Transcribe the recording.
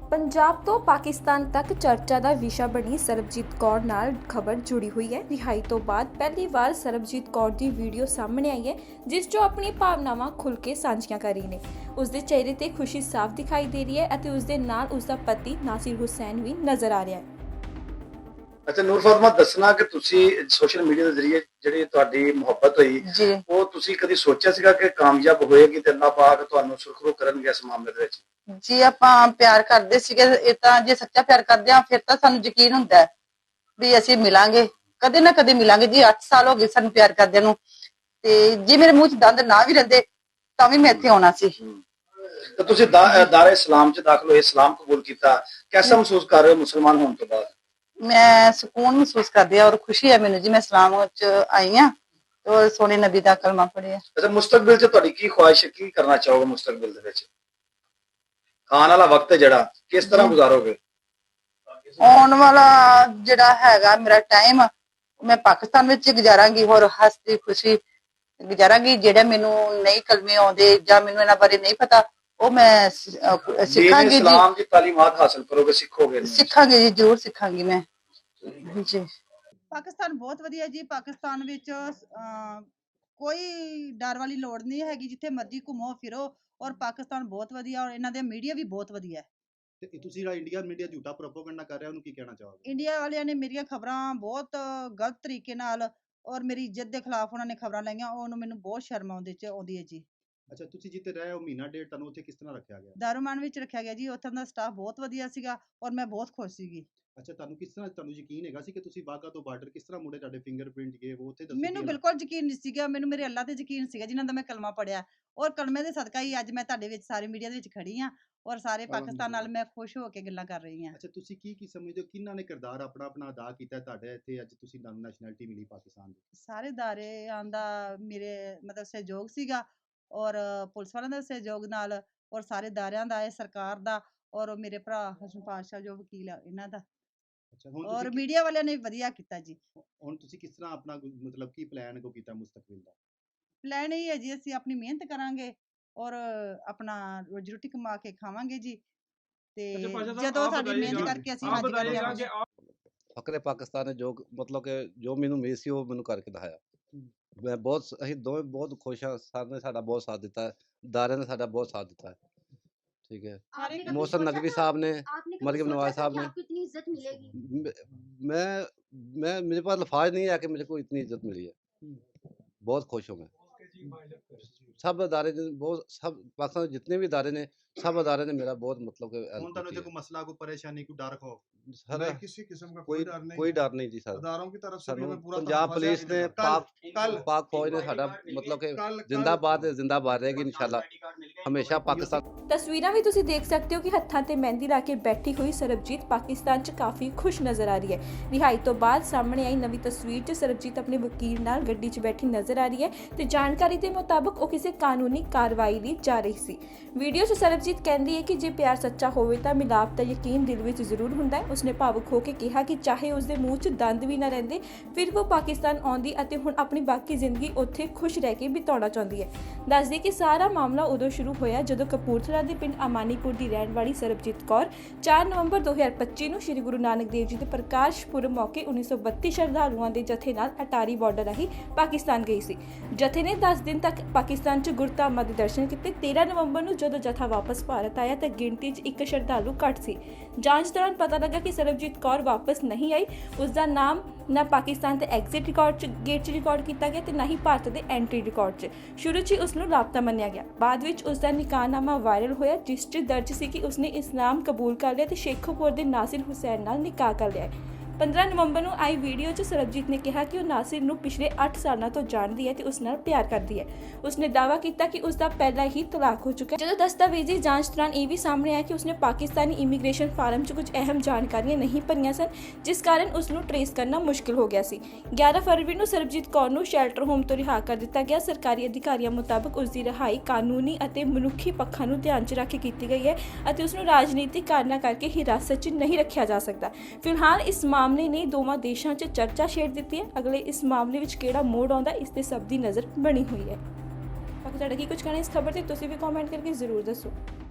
ਪੰਜਾਬ ਤੋਂ ਪਾਕਿਸਤਾਨ ਤੱਕ ਚਰਚਾ ਦਾ ਵਿਸ਼ਾ ਬਣੀ ਸਰਬਜੀਤ ਕੌਰ ਨਾਲ ਖਬਰ ਜੁੜੀ ਹੋਈ ਹੈ। ਰਿਹਾਈ ਤੋਂ ਬਾਅਦ ਪਹਿਲੀ ਵਾਰ ਸਰਬਜੀਤ ਕੌਰ ਦੀ ਵੀਡੀਓ ਸਾਹਮਣੇ ਆਈ ਹੈ, ਜਿਸ 'ਚੋਂ ਆਪਣੀ ਭਾਵਨਾਵਾਂ ਖੁੱਲ੍ਹ ਕੇ ਸਾਂਝੀਆਂ ਕਰ ਰਹੀ ਨੇ। ਉਸ ਦੇ ਚਿਹਰੇ ਤੇ ਖੁਸ਼ੀ ਸਾਫ਼ ਦਿਖਾਈ ਦੇ ਰਹੀ ਹੈ ਅਤੇ ਉਸ ਦੇ ਨਾਲ ਉਸ ਦਾ ਪਤੀ ਨਾਸਿਰ ਹੁਸੈਨ ਵੀ ਨਜ਼ਰ ਆ ਰਿਹਾ ਹੈ। अच्छा ਨੂਰ ਫਾਤਮਾ ਦੱਸਣਾ ਕਿ ਤੁਸੀਂ ਸੋਸ਼ਲ ਮੀਡੀਆ ਦੇ ਜ਼ਰੀਏ ਜਿਹੜੀ ਤੁਹਾਡੀ ਮੁਹੱਬਤ ਹੋਈ ਉਹ ਤੁਸੀਂ ਕਦੀ ਸੋਚਿਆ ਸੀਗਾ ਕਿ ਕਾਮਯਾਬ ਹੋਏਗੀ ਤੇ ਅੱਲਾਹ ਪਾਕ ਤੁਹਾਨੂੰ ਸੁਰਖਰੂ ਕਰਨਗੇ ਇਸ ਮਾਮਲੇ ਦੇ ਵਿੱਚ? ਜੀ ਆਪਾਂ ਪਿਆਰ ਕਰਦੇ ਸੀਗੇ, ਇਹ ਤਾਂ ਜੇ ਸੱਚਾ ਪਿਆਰ ਕਰਦੇ ਆ ਫਿਰ ਤਾਂ ਸਾਨੂੰ ਯਕੀਨ ਹੁੰਦਾ ਹੈ ਵੀ ਅਸੀਂ ਮਿਲਾਂਗੇ, ਕਦੇ ਨਾ ਕਦੇ ਮਿਲਾਂਗੇ। ਜੀ 8 ਸਾਲ ਹੋ ਗਏ ਸਾਨੂੰ ਪਿਆਰ ਕਰਦਿਆਂ ਨੂੰ, ਤੇ ਜੇ ਮੇਰੇ ਮੂੰਹ 'ਚ ਦੰਦ ਨਾ ਵੀ ਰਹਿੰਦੇ ਤਾਂ ਵੀ ਮੈਂ ਇੱਥੇ ਆਉਣਾ ਸੀ। ਤਾਂ ਤੁਸੀਂ ਦਾਰੇ ਇਸਲਾਮ 'ਚ ਦਾਖਲ ਹੋਏ, ਇਸਲਾਮ ਕਬੂਲ ਕੀਤਾ, ਕਿਹਦਾ ਮਹਿਸੂਸ ਕਰ ਰਹੇ ਹੋ ਮੁਸਲਮਾਨ ਹੋਣ ਤੋਂ ਬਾਅਦ? ਮੈਂ ਸਕੂਨ ਮਹਿਸੂਸ ਕਰਦੀ ਆ ਔਰ ਖੁਸ਼ੀ ਹੈ ਮੈਨੂੰ ਜੀ, ਮੈਂ ਇਸਲਾਮ 'ਚ ਆਈ ਆ ਔਰ ਸੋਹਣੇ ਨਬੀ ਦਾ ਕਲਮਾ ਪੜਿਆ। ਅੱਛਾ, ਮੁਸਤਕਬਲ 'ਚ ਤੁਹਾਡੀ ਕੀ ਖੁਆਇਸ਼ ਹੈ, ਕੀ ਕਰਨਾ ਚਾਹੋਗੇ ਮੁਸਤਕਬਲ ਦੇ ਵਿੱਚ? ਆਉਣ ਵਾਲਾ ਵਕਤ ਜਿਹੜਾ ਕਿਸ ਤਰ੍ਹਾਂ ਗੁਜ਼ਾਰੋਗੇ? ਆਉਣ ਵਾਲਾ ਜਿਹੜਾ ਹੈਗਾ ਮੇਰਾ ਟਾਈਮ ਮੈਂ ਪਾਕਿਸਤਾਨ ਵਿੱਚ ਗੁਜ਼ਾਰਾਂਗੀ ਔਰ ਹੱਸਦੀ ਖੁਸ਼ੀ ਗੁਜ਼ਾਰਾਂਗੀ। ਜਿਹੜਾ ਮੈਨੂੰ ਨਹੀਂ ਕਲਮੇ ਆਉਂਦੇ ਜਾਂ ਮੈਨੂੰ ਇਹਨਾਂ ਬਾਰੇ ਨਹੀਂ ਪਤਾ ਉਹ ਮੈਂ ਸਿੱਖਾਂਗੀ ਜੀ। ਇਸਲਾਮ ਦੀ ਤਾਲੀਮਾਤ ਹਾਸਲ ਕਰੋਗੇ, ਸਿੱਖੋਗੇ? ਸਿੱਖਾਂਗੀ ਜੀ, ਜ਼ਰੂਰ ਸਿੱਖਾਂਗੀ ਮੈਂ ਜੀ। ਪਾਕਿਸਤਾਨ ਬਹੁਤ ਵਧੀਆ ਜੀ। ਪਾਕਿਸਤਾਨ ਵਿੱਚ ਕੋਈ ਡਰ ਵਾਲੀ ਲੋੜ ਨਹੀਂ ਹੈਗੀ, ਜਿੱਥੇ ਮਰਜ਼ੀ ਘੁੰਮੋ ਫਿਰੋ। ਔਰ ਪਾਕਿਸਤਾਨ ਬਹੁਤ ਵਧੀਆ ਔਰ ਇਹਨਾਂ ਦੇ ਮੀਡੀਆ ਵੀ ਬਹੁਤ ਵਧੀਆ ਹੈ। ਤੇ ਤੁਸੀਂ ਜਿਹੜਾ ਇੰਡੀਆ ਮੀਡੀਆ ਝੂਠਾ ਪ੍ਰੋਪਗੈਂਡਾ ਕਰ ਰਿਹਾ ਉਹਨੂੰ ਕੀ ਕਹਿਣਾ ਚਾਹੋਗੇ? ਇੰਡੀਆ ਵਾਲਿਆਂ ਨੇ ਮੇਰੀਆਂ ਖਬਰਾਂ ਬਹੁਤ ਗਲਤ ਤਰੀਕੇ ਨਾਲ ਔਰ ਮੇਰੀ ਇੱਜ਼ਤ ਦੇ ਖਿਲਾਫ ਉਹਨਾਂ ਨੇ ਖਬਰਾਂ ਲਾਈਆਂ, ਉਹਨੂੰ ਮੈਨੂੰ ਬਹੁਤ ਸ਼ਰਮ ਆਉਂਦੀ ਹੈ ਜੀ। ਅੱਛਾ, ਤੁਸੀਂ ਜਿੱਥੇ ਰਹੇ ਹੋ ਮਹੀਨਾ ਡੇਢ, ਤੁਹਾਨੂੰ ਉੱਥੇ ਕਿਸ ਤਰ੍ਹਾਂ ਰੱਖਿਆ ਗਿਆ? ਦਾਰੂਮਾਨ ਵਿੱਚ ਰੱਖਿਆ ਗਿਆ ਜੀ। ਉੱਥੋਂ ਦਾ ਸਟਾਫ ਬਹੁਤ ਵਧੀਆ ਸੀਗਾ ਔਰ ਮੈਂ ਬਹੁਤ ਖੁਸ਼ ਸੀਗੀ। ਅੱਛਾ, ਤੁਹਾਨੂੰ ਯਕੀਨ ਹੈਗਾ ਸੀ ਕਿ ਤੁਸੀਂ ਵਾਘਾ ਤੋਂ ਬਾਰਡਰ ਕਿਸ ਤਰ੍ਹਾਂ ਮੁੜੇ, ਤੁਹਾਡੇ ਫਿੰਗਰਪ੍ਰਿੰਟ ਗਏ ਉਹ ਉੱਥੇ ਦੱਸੋ? ਮੈਨੂੰ ਬਿਲਕੁਲ ਯਕੀਨ ਨਹੀਂ ਸੀਗਾ। ਮੈਨੂੰ ਮੇਰੇ ਅੱਲਾ ਤੇ ਯਕੀਨ ਸੀਗਾ ਜਿਨ੍ਹਾਂ ਦਾ ਮੈਂ ਕਲਮਾ ਪੜਿਆ, ਔਰ ਕਲਮੇ ਦੇ ਸਦਕਾ ਹੀ ਅੱਜ ਮੈਂ ਤੁਹਾਡੇ ਵਿੱਚ ਸਾਰੇ ਮੀਡੀਆ ਦੇ ਵਿੱਚ ਖੜੀ ਹਾਂ ਔਰ ਸਾਰੇ ਪਾਕਿਸਤਾਨ ਨਾਲ ਮੈਂ ਖੁਸ਼ ਹੋ ਕੇ ਗੱਲਾਂ ਕਰ ਰਹੀ ਹਾਂ। ਅੱਛਾ, ਤੁਸੀਂ ਕੀ ਸਮਝਦੇ ਹੋ ਕਿਹਨਾਂ ਨੇ ਕਿਰਦਾਰ ਆਪਣਾ ਅਦਾ ਕੀਤਾ ਤੁਹਾਡੇ ਇੱਥੇ ਅੱਜ ਤੁਸੀਂ ਨੈਸ਼ਨੈਲਿਟੀ ਮਿਲੀ ਪਾਕਿਸਤਾਨ ਦੀ? ਸਾਰੇ ਦਾਰਿਆਂ ਦਾ ਮੇਰੇ ਮਤਲਬ ਸਹਿਯੋਗ ਸੀਗਾ ਔਰ ਪੁਲਿਸ ਵਾਲਿਆਂ ਦਾ ਸਹਿਯੋਗ ਨਾਲ ਔਰ ਸਾਰੇ ਦਾਰਿਆਂ ਦਾ, ਇਹ ਸਰਕਾਰ ਦਾ ਔਰ ਮੇਰੇ ਭਰਾ ਹਸਨ ਪਾਤਸ਼ਾਹ ਜੋ ਵਕੀਲ ਆ ਇਹਨਾਂ ਦਾ ਅੱਛਾ, ਹੁਣ ਔਰ ਮੀਡੀਆ ਵਾਲਿਆਂ ਨੇ ਵਧੀਆ ਕੀਤਾ ਜੀ। ਹੁਣ ਤੁਸੀਂ ਕਿਸ ਤਰ੍ਹਾਂ ਆਪਣਾ ਮਤਲਬ ਕੀ ਪਲਾਨ ਕੀਤਾ ਮੁਸਤਕਬਲ ਦਾ? ਪਲਾਨ ਇਹ ਹੈ ਜੀ, ਅਸੀਂ ਆਪਣੀ ਮਿਹਨਤ ਕਰਾਂਗੇ ਔਰ ਆਪਣਾ ਰੋਜੀ ਰੋਟੀ ਕਮਾ ਕੇ ਖਾਵਾਂਗੇ ਜੀ। ਤੇ ਜਦੋਂ ਸਾਡੀ ਮਿਹਨਤ ਕਰਕੇ ਅਸੀਂ ਫਕਰੇ ਪਾਕਿਸਤਾਨ ਨੇ ਜੋ ਮਤਲਬ ਕਿ ਜੋ ਮੈਨੂੰ ਉਮੀਦ ਸੀ ਉਹ ਮੈਨੂੰ ਕਰਕੇ ਦਿਖਾਇਆ। ਮੈਂ ਬਹੁਤ, ਅਸੀਂ ਦੋਵੇਂ ਬਹੁਤ ਖੁਸ਼ ਹਾਂ। ਸਰ ਨੇ ਸਾਡਾ ਬਹੁਤ ਸਾਥ ਦਿੱਤਾ ਹੈ, ਦਾਰਿਆਂ ਨੇ ਸਾਡਾ ਬਹੁਤ साथ ਦਿੱਤਾ है। ठीक है, मोहसिन नकवी साहब ने, मरियम नवाज साहब ने, मैं मेरे पास लफाज नहीं है कि मुझे को इतनी इज्जत मिली है। बहुत खुश हूँ मैं। सब अदारे बहुत, सब पाकिस्तान जितने भी अदारे ने, सब अदारे ने मेरा बहुत मतलब कि कोई मसला, कोई परेशानी, कोई डर खौफ? सर किसी किस्म का कोई डर नहीं जी सर। अदारों की तरफ से भी हमें पूरा पंजाब पुलिस ने, पाक फौज ने साडा मतलब कि जिंदाबाद रहेगी इंशाल्लाह हमेशा पाकिस्तान। ਤਸਵੀਰਾਂ ਵੀ ਤੁਸੀਂ ਦੇਖ ਸਕਦੇ ਹੋ ਕਿ ਹੱਥਾਂ ਤੇ ਮਹਿੰਦੀ ਲਾ ਕੇ ਬੈਠੀ ਹੋਈ ਸਰਬਜੀਤ ਪਾਕਿਸਤਾਨ 'ਚ ਕਾਫੀ ਖੁਸ਼ ਨਜ਼ਰ ਆ ਰਹੀ ਹੈ। ਰਿਹਾਈ ਤੋਂ ਬਾਅਦ ਸਾਹਮਣੇ ਆਈ ਨਵੀਂ ਤਸਵੀਰ 'ਚ ਸਰਬਜੀਤ ਆਪਣੇ ਵਕੀਲ ਨਾਲ ਗੱਡੀ 'ਚ ਬੈਠੀ ਨਜ਼ਰ ਆ ਰਹੀ ਹੈ ਤੇ ਜਾਣਕਾਰੀ ਦੇ ਮੁਤਾਬਕ ਉਹ ਕਿਸੇ ਕਾਨੂੰਨੀ ਕਾਰਵਾਈ ਲਈ ਜਾ ਰਹੀ ਸੀ। ਵੀਡੀਓ 'ਚ ਸਰਬਜੀਤ ਕਹਿੰਦੀ ਹੈ ਕਿ ਜੇ ਪਿਆਰ ਸੱਚਾ ਹੋਵੇ ਤਾਂ ਮਿਲਾਪ ਦਾ ਯਕੀਨ ਦਿਲ ਵਿੱਚ ਜ਼ਰੂਰ ਹੁੰਦਾ ਹੈ। ਉਸਨੇ ਭਾਵੁਕ ਹੋ ਕੇ ਕਿਹਾ ਕਿ ਚਾਹੇ ਉਸਦੇ ਮੂੰਹ 'ਚ ਦੰਦ ਵੀ ਨਾ ਰਹਿੰਦੇ ਫਿਰ ਉਹ ਪਾਕਿਸਤਾਨ ਆਉਂਦੀ ਅਤੇ ਹੁਣ ਆਪਣੀ ਬਾਕੀ ਜ਼ਿੰਦਗੀ ਉੱਥੇ ਖੁਸ਼ ਰਹਿ ਕੇ ਬਿਤਾਉਣਾ ਚਾਹੁੰਦੀ ਹੈ। ਦੱਸਦੀ ਕਿ ਸਾਰਾ ਮਾਮਲਾ ਉਦੋਂ ਸ਼ੁਰੂ ਹੋਇਆ ਜਦੋਂ ਕਪੂਰਥਲਾ ਦੇ ਪਿੰਡ ਅਮਾਨੀਪੁਰ ਦੀ ਰਹਿਣ ਵਾਲੀ ਸਰਬਜੀਤ ਕੌਰ 4 ਨਵੰਬਰ 2025 ਨੂੰ ਸ਼੍ਰੀ ਗੁਰੂ ਨਾਨਕ ਦੇਵ ਜੀ ਦੇ ਪ੍ਰਕਾਸ਼ ਪੁਰਬ ਮੌਕੇ 1932 ਸ਼ਰਧਾਲੂਆਂ ਦੇ ਜਥੇ ਨਾਲ ਅਟਾਰੀ ਬਾਰਡਰ ਰਾਹੀਂ ਪਾਕਿਸਤਾਨ ਗਈ ਸੀ। ਜਥੇ ਨੇ 10 ਦਿਨ ਤੱਕ ਪਾਕਿਸਤਾਨ 'ਚ ਗੁਰਧਾਮਾਂ ਦੇ ਦਰਸ਼ਨ ਕੀਤੇ। 13 ਨਵੰਬਰ ਨੂੰ ਜਦੋਂ ਜਥਾ ਵਾਪਸ ਭਾਰਤ ਆਇਆ ਤਾਂ ਗਿਣਤੀ 'ਚ ਇੱਕ ਸ਼ਰਧਾਲੂ ਘੱਟ ਸੀ। ਜਾਂਚ ਦੌਰਾਨ ਪਤਾ ਲੱਗਾ ਕਿ ਸਰਬਜੀਤ ਕੌਰ ਵਾਪਸ ਨਹੀਂ ਆਈ। ਉਸ ਦਾ ਨਾਮ ਨਾ ਪਾਕਿਸਤਾਨ ਦੇ ਐਗਜ਼ਿਟ ਰਿਕਾਰਡ 'ਚ ਗੇਟ 'ਚ ਰਿਕਾਰਡ ਕੀਤਾ ਗਿਆ ਤੇ ਨਾ ਹੀ ਭਾਰਤ ਦੇ ਐਂਟਰੀ ਰਿਕਾਰਡ 'ਚ। ਸ਼ੁਰੂ 'ਚ ਉਸ ਨੂੰ ਲਾਪਤਾ ਮੰਨਿਆ ਗਿਆ। ਬਾਅਦ ਵਿੱਚ ਉਸ ਦਾ ਨਿਕਾਹਨਾਮਾ ਵਾਇਰਲ ਹੋਇਆ ਜਿਸ 'ਚ ਦਰਜ ਸੀ ਕਿ ਉਸਨੇ ਇਸਲਾਮ ਕਬੂਲ ਕਰ ਲਿਆ ਤੇ ਸ਼ੇਖੂਪੁਰ ਦੇ ਨਾਸਿਰ ਹੁਸੈਨ ਨਾਲ ਨਿਕਾਹ ਕਰ ਲਿਆ। 15 ਨਵੰਬਰ ਨੂੰ ਆਈ ਵੀਡੀਓ 'ਚ ਸਰਬਜੀਤ ਨੇ ਕਿਹਾ ਕਿ ਉਹ ਨਾਸਿਰ ਨੂੰ ਪਿਛਲੇ 8 ਸਾਲਾਂ ਤੋਂ ਜਾਣਦੀ ਹੈ ਤੇ ਉਸ ਨਾਲ ਪਿਆਰ ਕਰਦੀ ਹੈ। ਉਸਨੇ ਦਾਅਵਾ ਕੀਤਾ ਕਿ ਉਸ ਦਾ ਪਹਿਲਾਂ ਹੀ ਤਲਾਕ ਹੋ ਚੁੱਕਾ ਹੈ। ਜਦੋਂ ਦਸਤਾਵੇਜ਼ੀ ਜਾਂਚ ਦੌਰਾਨ ਇਹ ਵੀ ਸਾਹਮਣੇ ਆਇਆ ਕਿ ਉਸਨੇ ਪਾਕਿਸਤਾਨੀ ਇਮੀਗ੍ਰੇਸ਼ਨ ਫਾਰਮ 'ਚ ਕੁਝ ਅਹਿਮ ਜਾਣਕਾਰੀਆਂ ਨਹੀਂ ਭਰੀਆਂ ਸਨ, ਜਿਸ ਕਾਰਨ ਉਸ ਨੂੰ ਟਰੇਸ ਕਰਨਾ ਮੁਸ਼ਕਿਲ ਹੋ ਗਿਆ ਸੀ। 11 ਫਰਵਰੀ ਨੂੰ ਸਰਬਜੀਤ ਕੌਰ ਨੂੰ ਸ਼ੈਲਟਰ ਹੋਮ ਤੋਂ ਰਿਹਾ ਕਰ ਦਿੱਤਾ ਗਿਆ। ਸਰਕਾਰੀ ਅਧਿਕਾਰੀਆਂ ਮੁਤਾਬਕ ਉਸ ਦੀ ਰਿਹਾਈ ਕਾਨੂੰਨੀ ਅਤੇ ਮਨੁੱਖੀ ਪੱਖਾਂ ਨੂੰ ਧਿਆਨ 'ਚ ਰੱਖ ਕੇ ਕੀਤੀ ਗਈ ਹੈ ਅਤੇ ਉਸ ਨੂੰ ਰਾਜਨੀਤਿਕ ਕਾਰਨਾਂ ਕਰਕੇ ਹਿਰਾਸਤ 'ਚ ਨਹੀਂ ਰੱਖਿਆ ਜਾ ਸਕਦਾ। ਫਿਲਹਾਲ ਇਸ ਮਾਮਲੇ ਨੇ ਦੋਵਾਂ ਦੇਸ਼ਾਂ 'ਚ ਚਰਚਾ ਛੇੜ ਦਿੱਤੀ ਹੈ। ਅਗਲੇ ਇਸ ਮਾਮਲੇ ਵਿੱਚ ਕਿਹੜਾ ਮੋੜ ਆਉਂਦਾ ਇਸ ਤੇ ਸਭ ਦੀ ਨਜ਼ਰ ਬਣੀ ਹੋਈ ਹੈ। ਬਾਕੀ ਤੁਹਾਡਾ ਕੀ ਕੁਝ ਕਹਿਣਾ ਇਸ ਖਬਰ ਤੇ ਤੁਸੀਂ ਵੀ ਕਮੈਂਟ ਕਰਕੇ ਜ਼ਰੂਰ ਦੱਸੋ।